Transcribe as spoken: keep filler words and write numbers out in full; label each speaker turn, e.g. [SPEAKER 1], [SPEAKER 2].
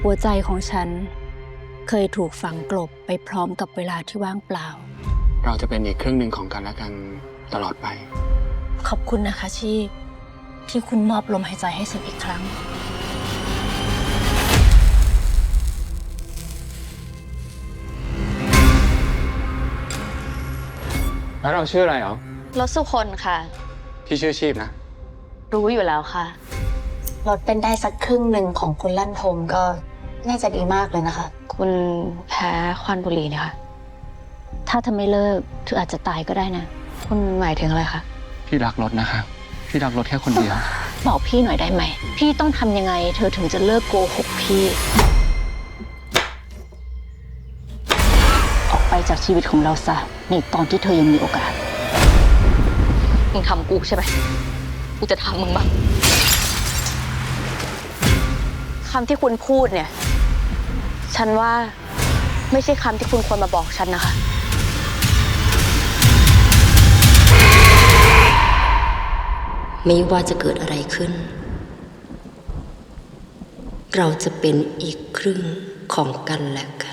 [SPEAKER 1] หัวใจของฉันเคยถูกฝังกลบไปพร้อมกับเวลาที่ว่างเปล่า
[SPEAKER 2] เราจะเป็นอีกครึ่งหนึ่งของกันและกันตลอดไป
[SPEAKER 1] ขอบคุณนะคะชีพที่คุณมอบลมหายใจให้ฉันอีกครั้ง
[SPEAKER 2] แล้วเราชื่ออะไรเหรอ
[SPEAKER 3] รถสุคนค่ะ
[SPEAKER 2] พี่ชื่อชีพนะ
[SPEAKER 3] รู้อยู่แล้วค่ะ
[SPEAKER 4] ลดเป็นได้สักครึ่งหนึ่งของคุณลั่นทมก็น่าจะดีมากเลยนะคะ
[SPEAKER 3] คุณแพ้ควันบุหรี่เนี่ยค่ะ
[SPEAKER 1] ถ้าเธอไม่เลิกเธออาจจะตายก็ได้นะ
[SPEAKER 3] คุณหมายถึงอะไรคะ
[SPEAKER 2] พี่รักรถนะคะพี่รักรถแค่คนเดียว
[SPEAKER 1] บอกพี่หน่อยได้ไหมพี่ต้องทำยังไงเธอถึงจะเลิกโกหกพี่ออกไปจากชีวิตของเราซะในตอนที่เธอยังมีโอกาส
[SPEAKER 3] มึงทำกูใช่ไหมกูจะทำมึงบ้างคำที่คุณพูดเนี่ยฉันว่าไม่ใช่คำที่คุณควรมาบอกฉันนะคะ
[SPEAKER 4] ไม่ว่าจะเกิดอะไรขึ้นเราจะเป็นอีกครึ่งของกันและกัน